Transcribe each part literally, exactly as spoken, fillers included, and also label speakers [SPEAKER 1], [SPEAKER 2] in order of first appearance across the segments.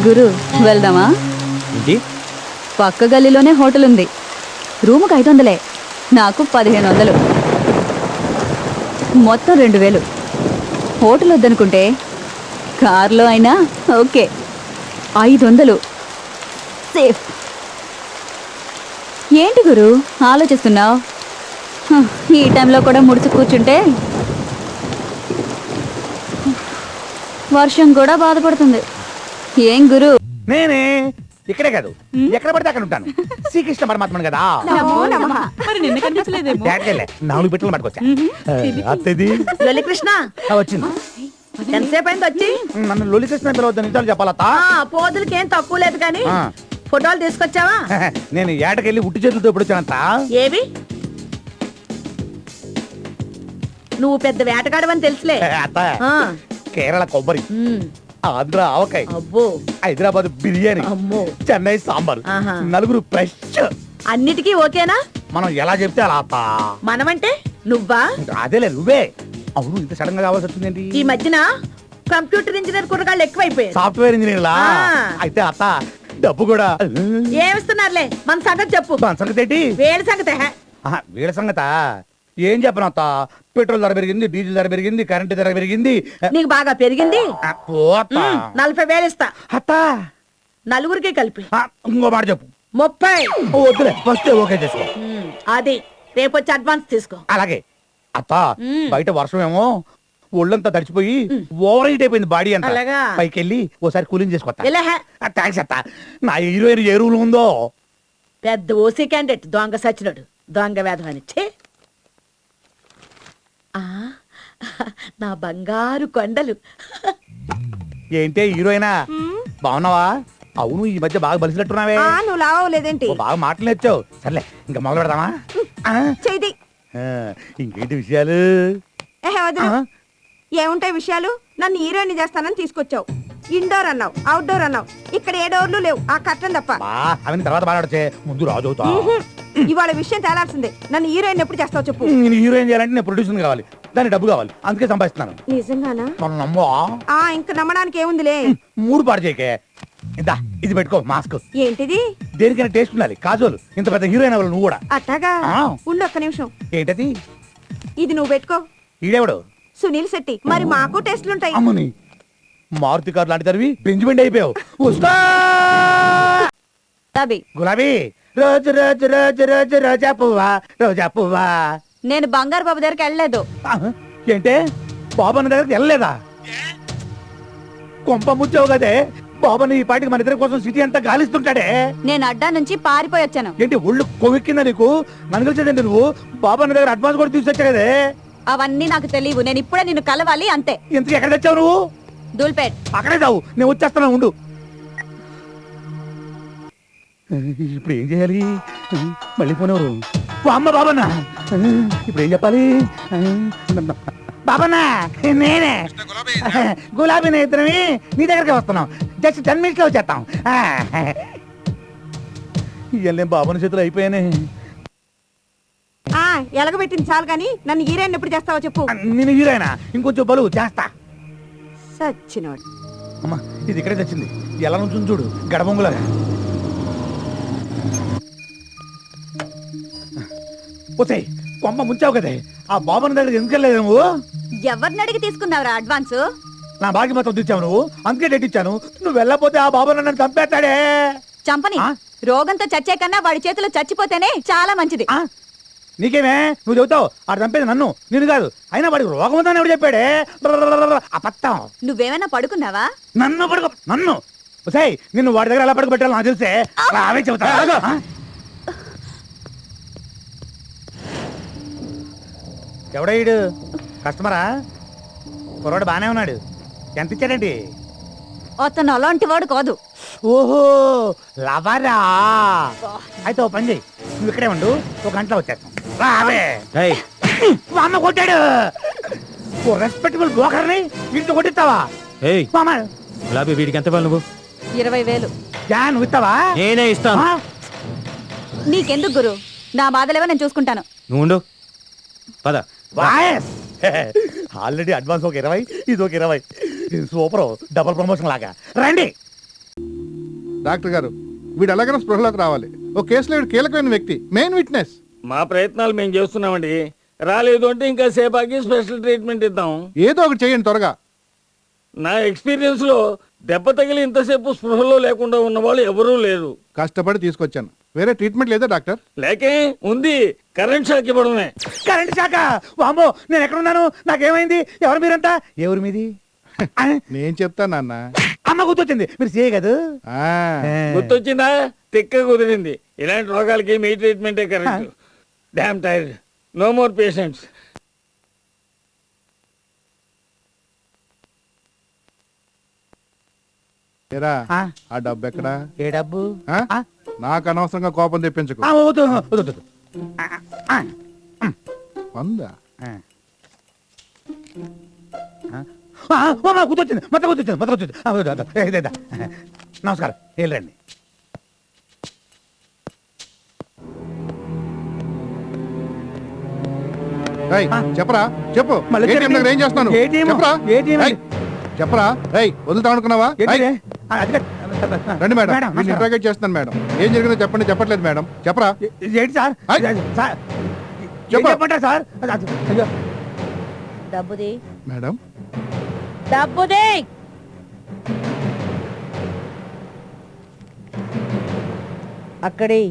[SPEAKER 1] గురు వెళ్దామా?
[SPEAKER 2] ఏంటి?
[SPEAKER 1] పక్క గల్లీలోనే హోటల్ ఉంది. రూముకు ఐదు వందలే, నాకు పదిహేను వందలు, మొత్తం రెండు వేలు. హోటల్ వద్దనుకుంటే కార్లో అయినా ఓకే. ఐదు వందలు సేఫ్. ఏంటి గురు ఆలోచిస్తున్నావు? ఈ టైంలో కూడా ముడుచు కూర్చుంటే వర్షం కూడా బాధపడుతుంది. ఏం గురు?
[SPEAKER 3] నేనే ఇక్కడే కాదు, ఎక్కడ పడితే అక్కడ ఉంటాను. శ్రీకృష్ణ పరమాత్మను కదా.
[SPEAKER 4] మరి నిన్న కనిపించలేదేమో.
[SPEAKER 3] డాడీలే, నాలుగు బిట్టలు పట్టుకొచ్చా. అత్తది
[SPEAKER 4] లొల్లి కృష్ణ
[SPEAKER 3] ఆ, వచ్చింది.
[SPEAKER 4] ఎంతసేపు అయింది వచ్చి?
[SPEAKER 3] నన్ను లొలి కృష్ణ పిలవద్దు, నిజాలు చెప్పాలత్తా.
[SPEAKER 4] ఆ, పోదులకి ఏం తక్కువ లేదు కానీ
[SPEAKER 3] ఆ.
[SPEAKER 4] ఫోటోలు తీసుకొచ్చావా?
[SPEAKER 3] నేను ఏటకెళ్ళి ఉట్టి చేతులతో ఎప్పుడు వచ్చానంత.
[SPEAKER 4] ఏవి? నువ్వు పెద్ద వేటగాడవని తెలుసులే.
[SPEAKER 3] అత్త,
[SPEAKER 4] ఆ.
[SPEAKER 3] కేరళ కొబ్బరి,
[SPEAKER 4] ఉమ్.
[SPEAKER 3] ఆంధ్ర ఆవకాయ,
[SPEAKER 4] అబ్బో.
[SPEAKER 3] హైదరాబాద్ బిర్యానీ,
[SPEAKER 4] అమ్మో.
[SPEAKER 3] చెన్నై సాంబార్,
[SPEAKER 4] ఆహా.
[SPEAKER 3] నలుగురు ఫ్రెష్.
[SPEAKER 4] అన్నిటికీ ఓకేనా?
[SPEAKER 3] మనం ఎలా చెప్తే అలా అత్త.
[SPEAKER 4] మనమంటే నువ్వా?
[SPEAKER 3] అదేలే నువ్వే. అవును, ఇంత సడన్ గా కావాల్సి వచ్చిందేంటి?
[SPEAKER 4] ఈ మధ్యన కంప్యూటర్ ఇంజనీర్ కుర్రగాళ్ళు ఎక్కువైపోయారు.
[SPEAKER 3] సాఫ్ట్వేర్ ఇంజనీర్లా?
[SPEAKER 4] ఆ.
[SPEAKER 3] అయితే అత్త డబ్బు కూడా
[SPEAKER 4] ఏమిస్తున్నారులే, మన సంగతి చెప్పు.
[SPEAKER 3] దాని సంగతి ఏంటి?
[SPEAKER 4] వేడి సంగతి హే.
[SPEAKER 3] ఆహా, వీళ్ళ సంగత ఏం చెప్పను అత్త. పెట్రోల్ ధర పెరిగింది, డీజిల్ ధర పెరిగింది, కరెంట్ ధర పెరిగింది.
[SPEAKER 4] నీకు బాగా పెరిగింది.
[SPEAKER 3] ఆ, పో అత్త.
[SPEAKER 4] ఉమ్, నలభై వేలు ఇస్తా
[SPEAKER 3] అత్త,
[SPEAKER 4] నలుగురికి కలిపి.
[SPEAKER 3] ఆ, ఇంకో మాట చెప్పు.
[SPEAKER 4] ముప్పై.
[SPEAKER 3] ఓ, వద్దులే, ఫస్ట్ ఓకే చేసుకో.
[SPEAKER 4] ఉమ్, అది రేపు వచ్చి అడ్వాన్స్ తీసుకో.
[SPEAKER 3] అలాగే అత్త.
[SPEAKER 4] ఉమ్.
[SPEAKER 3] బయట వర్షం ఏమో ఒళ్ళంతా తడిచిపోయి ఓవర్ హీట్ అయిపోయింది బాడీ అంతా.
[SPEAKER 4] అలాగా?
[SPEAKER 3] పైకి వెళ్ళి ఓసారి కూలింగ్ చేసుకోవచ్చా?
[SPEAKER 4] ఇలా హే.
[SPEAKER 3] థ్యాంక్స్ అత్త. నా హీరోయిన్ ఏ రూల్ ఉందో.
[SPEAKER 4] పెద్ద ఓసీ క్యాండిడేట్ దొంగ సచ్చినోడు, దొంగ వేధమని. ఛే! ఆ, నా బంగారు కొండలు.
[SPEAKER 3] ఏంటే హీరోయినా, బాగున్నావా? అవును, ఈ మధ్య బాగా బలిసినట్టున్నావే.
[SPEAKER 4] నువ్వు లావలేదేంటి?
[SPEAKER 3] ఓ, బాగా మాటలు నేర్చావు. సర్లే, ఇంకా మొదలు పెడదామా? ఆ?
[SPEAKER 4] చేయి.
[SPEAKER 3] ఆ, ఇంకేంటి విషయాలు? ఆ?
[SPEAKER 5] ఏముంటాయి విషయాలు? నన్ను హీరోయిన్ చేస్తానని తీసుకొచ్చావు. ఇండోర్ అన్నావు, అవుట్డోర్ అన్నావు. ఇక్కడ ఏ డోర్లు లేవు, ఆ కట్టం తప్ప.
[SPEAKER 3] బా, అవన్నీ తర్వాత మాట్లాడచ్చే, ముందు రాజు అవుతా.
[SPEAKER 5] ఇవాళ విషయం తేలాల్సిందే. నన్ను హీరోయిన్ ఎప్పుడు చేస్తావు చెప్పు.
[SPEAKER 3] నేను హీరోయిన్ చేయాలంటే నేను ప్రొడ్యూసర్ కావాలి, దానికి డబ్బు కావాలి, అందుకే సంపాదిస్తున్నాను.
[SPEAKER 5] నిజంగానా?
[SPEAKER 3] మనం నమ్మో.
[SPEAKER 5] ఆ ఇంక నమ్మడానికి ఏముందిలే.
[SPEAKER 3] మూడు పాడు చేయకే. ఇందా, ఇది పెట్టుకో మాస్క్.
[SPEAKER 5] ఏంటిది?
[SPEAKER 3] దేనికైనా టేస్ట్ ఉండాలి. కాజోలు, ఇంత పెద్ద హీరోయిన్ అవ్వాలి నువ్వు కూడా.
[SPEAKER 5] అట్టాగా?
[SPEAKER 3] ఆ.
[SPEAKER 5] ఉండు ఒక్క నిమిషం.
[SPEAKER 3] ఏంటది?
[SPEAKER 5] ఇది నువ్వు పెట్టుకో.
[SPEAKER 3] ఈడెవడు?
[SPEAKER 5] సునీల్ శెట్టి. మరి మాకు టెస్ట్లుంటాయి.
[SPEAKER 3] అమ్మని, మారుతి కారు లాంటి తరివి బెంజిమెంట్ అయిపోయావు. వస్తా.
[SPEAKER 1] తబి
[SPEAKER 3] గులాబీ, రోజు రోజు రోజు రోజు రోజా పువ్వా, రోజా పువ్వా.
[SPEAKER 1] నేను బంగారు బాబు దగ్గరికి వెళ్ళలేదు.
[SPEAKER 3] ఆహా, ఏంటే బాబన్న దగ్గరికి వెళ్ళలేదా? కొంప ముచ్చావు కదే. బాబన్న ఈ పాటికి మన ఇద్దరి కోసం సిటీ అంతా గాలిస్తుంటాడే.
[SPEAKER 1] నేను అడ్డా నుంచి పారిపోయి వచ్చాను.
[SPEAKER 3] ఏంటి ఒళ్ళు కొవ్వెక్కిందా నీకు? నన్ను కలిసేదండి నువ్వు. బాబన్న దగ్గర అడ్వాన్స్ కూడా తీసుకొచ్చా కదే.
[SPEAKER 1] అవన్నీ నాకు తెలియవు. నేను ఇప్పుడే నిన్ను కలవాలి అంతే.
[SPEAKER 3] ఇంతకు ఎక్కడ తెచ్చావు నువ్వు?
[SPEAKER 1] దూల్పేట్.
[SPEAKER 3] అక్కడే చావు, నేను వచ్చేస్తాను, ఉండు. ఇప్పుడు ఏం చేయాలి? మళ్ళీ పోనేవారు. అమ్మ బాబన్న, ఇప్పుడు ఏం చెప్పాలి? బాబన్న, నేనే గులాబీ ఇద్దరమి నీ దగ్గరికి వస్తున్నాం. జస్ట్ టెన్ మినిట్స్ లో వచ్చేస్తాం. ఇవన్నీ బాబన్న చేతులు అయిపోయానే.
[SPEAKER 5] ఆ ఎలగబెట్టింది చాలు కానీ నన్ను హీరోయిన్ ఎప్పుడు చేస్తావో చెప్పు.
[SPEAKER 3] నేను హీరోయినా? ఇంకొంచెం బలు చేస్తా.
[SPEAKER 5] సచ్చినోడు.
[SPEAKER 3] అమ్మా, ఇది ఇక్కడే తెచ్చింది. ఎలా నుంచి చూడు, గడబొంగులాగా. పోతే కొమ్మ ముంచావు కదే. ఆ బాబన్న దగ్గర ఎందుకు వెళ్ళలేదు నువ్వు?
[SPEAKER 1] ఎవరిని అడిగి తీసుకున్నావురా అడ్వాన్స్?
[SPEAKER 3] నా బాకి మొత్తం తెచ్చావు నువ్వు, అందుకే డేట్ ఇచ్చాను. నువ్వు వెళ్ళపోతే ఆ బాబన్న నన్ను చంపేస్తాడే.
[SPEAKER 1] చంపని.
[SPEAKER 3] ఆ?
[SPEAKER 1] రోగంతో చచ్చే కన్నా వాడి చేతిలో చచ్చిపోతేనే చాలా మంచిది.
[SPEAKER 3] ఆ? నీకేమే, నువ్వు చెబుతావు ఆడు చంపేది నన్ను, నేను కాదు. అయినా వాడికి రోగం ఉందని ఎవడు చెప్పాడే? అబద్ధం.
[SPEAKER 1] నువ్వేమైనా పడుకున్నావా?
[SPEAKER 3] నన్ను పడుకో, నన్ను సై నిన్ను వాడి దగ్గర ఎలా పడుకోబెట్టాలో నాకు తెలిసే. అవే చెబుతా. ఆ? ఎవడీడు? కస్టమరా? కుర్రాడు బానే ఉన్నాడు. ఎంత ఇచ్చాడండి?
[SPEAKER 1] అతను అలాంటి వాడు కాదు.
[SPEAKER 3] ఓహో, లవరా? అయితే ఓ పని చెయ్యి, నువ్వు ఇక్కడే ఉండు, ఒక గంటలో వచ్చేస్తాం. రావే. మా అమ్మ కొట్టాడు. ఓ రెస్పెక్టబుల్ బ్రోకర్ని ఇంట్లో కొట్టిస్తావా? మామ,
[SPEAKER 2] గులాబీ వీడికి ఎంత ఇవ్వాలి నువ్వు?
[SPEAKER 1] ఇరవై వేలు.
[SPEAKER 3] జా, నువ్వు ఇస్తావా?
[SPEAKER 2] నేనే ఇస్తాను.
[SPEAKER 3] ఆ?
[SPEAKER 1] నీకెందుకు గురు? నా బాధలేవో నేను చూసుకుంటాను.
[SPEAKER 2] నువ్వు ఉండు, పద.
[SPEAKER 3] వాయస్ ఆల్రెడీ అడ్వాన్స్ ఒక ఇరవై, ఇది ఒక ఇరవై. సూపర్, డబుల్ ప్రమోషన్ లాగా. రండి.
[SPEAKER 6] డాక్టర్ గారు వీడు ఎలాగైనా స్పృహలోకి రావాలి. ఓ కేసులో వీడు కీలకమైన వ్యక్తి, మెయిన్ విట్నెస్.
[SPEAKER 7] మా ప్రయత్నాలు మేము చేస్తున్నామండి. రాలేదు అంటే ఇంకా సేపాకి స్పెషల్ ట్రీట్మెంట్ ఇద్దాం.
[SPEAKER 6] ఏదో ఒకటి చేయండి త్వరగా.
[SPEAKER 7] నా ఎక్స్పీరియన్స్ లో దెబ్బ తగిలి ఇంతసేపు స్పృహలో లేకుండా ఉన్న వాళ్ళు ఎవరూ లేరు.
[SPEAKER 6] కష్టపడి తీసుకొచ్చాను. వేరే ట్రీట్మెంట్ లేదా డాక్టర్?
[SPEAKER 7] లేకే ఉంది, కరెంట్ షాక్ ఇవ్వడమే.
[SPEAKER 3] కరెంట్ శాఖ వామ్మో, నేను ఎక్కడున్నాను? నాకేమైంది? ఎవరు మీరంతా? ఎవరు మీది? ఆ,
[SPEAKER 6] నేను చెప్తాను నాన్న.
[SPEAKER 3] అమ్మ గుర్తొచ్చింది, మీరు చేయ కదా.
[SPEAKER 6] ఆ,
[SPEAKER 7] గుర్తొచ్చిందా? తిక్క కుదిరింది. ఇలాంటి రోగాలకి మీ ట్రీట్మెంటే correct. Damn tired, no more patients.
[SPEAKER 6] ఏరా,
[SPEAKER 3] ఆ,
[SPEAKER 6] ఆ డబ్బు ఎక్కడా?
[SPEAKER 3] ఏ డబ్బు?
[SPEAKER 6] ఆ?
[SPEAKER 3] ఆ,
[SPEAKER 6] నాకు అనవసరంగా కోపం తెప్పించకు.
[SPEAKER 3] ఆ, వద్దు, వద్దు, వద్దు. ఆ, ఆ,
[SPEAKER 6] వందా?
[SPEAKER 3] ఆ. ఆ, అమ్మ గుర్తొచ్చింది, మొత్తం గుర్తొచ్చింది, మొత్తం గుర్తొచ్చింది. ఆ, వద్దు, వద్దు. ఏ, ఇదే, ఇదే. నమస్కారం, వెళ్ళండి.
[SPEAKER 6] రేయ్,
[SPEAKER 3] ఆ.
[SPEAKER 6] చెప్పరా, చెప్పు.
[SPEAKER 3] మళ్ళీ
[SPEAKER 6] ఏటీఎం
[SPEAKER 3] చెప్పండి.
[SPEAKER 6] దగ్గర ఏం చేస్తున్నాను?
[SPEAKER 3] ఏటీఎం?
[SPEAKER 6] చెప్పరా.
[SPEAKER 3] ఏటీఎం?
[SPEAKER 6] రేయ్, చెప్పరా. రేయ్, వదులుతా అనుకున్నావా?
[SPEAKER 3] ఏంటిదే?
[SPEAKER 6] రేయ్,
[SPEAKER 3] ఆ, అది కాదు.
[SPEAKER 6] రండి మేడం,
[SPEAKER 3] మేడం,
[SPEAKER 6] నేను
[SPEAKER 3] నమస్కారం.
[SPEAKER 6] ఇంట్రాగేట్ చేస్తున్నాను మేడం. ఏం జరిగిందో చెప్పండి. చెప్పట్లేదు మేడం, చెప్పరా.
[SPEAKER 3] ఏ- ఏంటి సార్?
[SPEAKER 6] ఆయ్.
[SPEAKER 3] సార్, ఏం
[SPEAKER 6] చెప్పు.
[SPEAKER 3] చెప్పంటారు సార్? అది- అది- అయ్యో.
[SPEAKER 4] డబ్బుది
[SPEAKER 6] మేడం,
[SPEAKER 4] డబ్బుది అక్కడి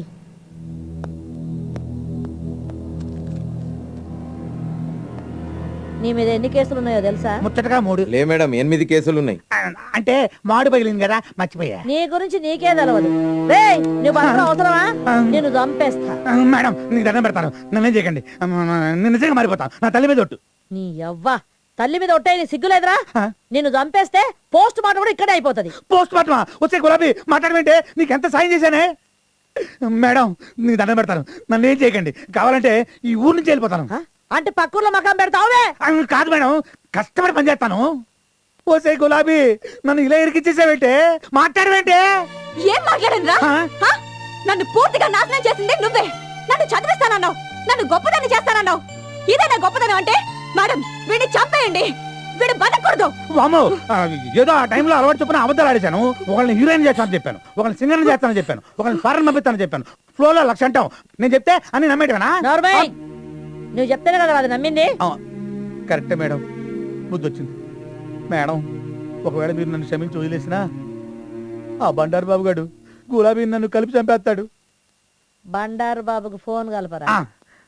[SPEAKER 4] నీ మీద ఎన్ని కేసులు ఉన్నాయో తెలుసా?
[SPEAKER 3] ముచ్చటగా మూడు.
[SPEAKER 8] లే మేడం, ఎనిమిది కేసులు ఉన్నాయి.
[SPEAKER 3] ఆ, అంటే మాడు పగిలింది కదా, మర్చిపోయా.
[SPEAKER 4] నీ గురించి నీకే తెలవదు. రేయ్, నువ్వు బతకడం అవసరమా? నేను చంపేస్తా.
[SPEAKER 3] ఆ, మేడం నీకు దండం పెడతాను, నన్నేం చేయకండి. ఆ, నేను నిజంగా మారిపోతాను. నా తల్లి మీద ఒట్టు.
[SPEAKER 4] నీ యవ్వ తల్లి మీద ఒట్టే నీ సిగ్గులేదురా?
[SPEAKER 3] ఆ?
[SPEAKER 4] నిన్ను చంపేస్తే పోస్ట్ మార్టం కూడా ఇక్కడే అయిపోతది.
[SPEAKER 3] పోస్ట్ మార్టమా? వచ్చే గులాబీ మాట్లాడమంటే నీకు ఎంత సాయం చేశానే. మేడం నీకు దండం పెడతాను, నన్ను ఏం చేయకండి. కావాలంటే ఈ ఊరు నుంచి వెళ్ళిపోతాను.
[SPEAKER 4] ఆ? అంటే పక్కూర్లో మకాం పెడతావువే?
[SPEAKER 3] ఆ, కాదు మేడం, కష్టపడి పని చేస్తాను. ఓసే గులాబీ, నన్ను ఇలా ఇరికిచ్చేసావేంటే? మాట్లాడవేంటే?
[SPEAKER 5] ఏం మాట్లాడనురా?
[SPEAKER 3] ఆ?
[SPEAKER 5] నన్ను పూర్తిగా నాశనం చేసింది నువ్వే. నన్ను చదివిస్తానన్నావు, నన్ను గొప్పదాన్ని చేస్తానన్నావు. ఇదేనా గొప్పదనం అంటే? మేడం వీడిని చంపేయండి, వీడు బతకూడదు.
[SPEAKER 3] వామ్మో, ఆ, ఏదో ఆ టైంలో అలవాటు చొప్పున అబద్ధాలు ఆడేశాను. ఒకళ్ళని హీరోయిన్ చేస్తానని చెప్పాను, ఒకళ్ళని సింగర్ చేస్తానని చెప్పాను, ఒకళ్ళని ఫారెన్ పంపిస్తానని చెప్పాను. ఫ్లోలో లక్ష అంటాం. నేను చెప్తే అన్ని నమ్మేటవేనా?
[SPEAKER 4] నోర్మై, నువ్వు చెప్తేనే కదా అది నమ్మింది.
[SPEAKER 3] ఆ, కరెక్టే మేడం, బుద్ధి వచ్చింది. మేడం ఒకవేళ మీరు నన్ను క్షమించి వదిలేసినా ఆ బండారు బాబు గారు గులాబీ నన్ను కలిపి చంపేస్తాడు.
[SPEAKER 4] బండారు బాబుకు ఫోన్ కలపరా.
[SPEAKER 3] ఆ.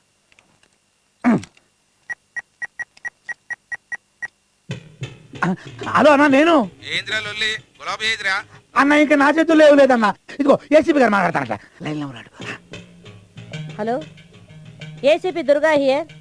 [SPEAKER 3] ఆ, హలో అన్న, నేను అన్న ఇంకా నా చేతుల్లో ఏం లేదన్న. ఇదిగో ఏసీపీ గారు మాట్లాడతానట, లైన్లో ఉన్నాడు.
[SPEAKER 4] Hello, ACP Durga here.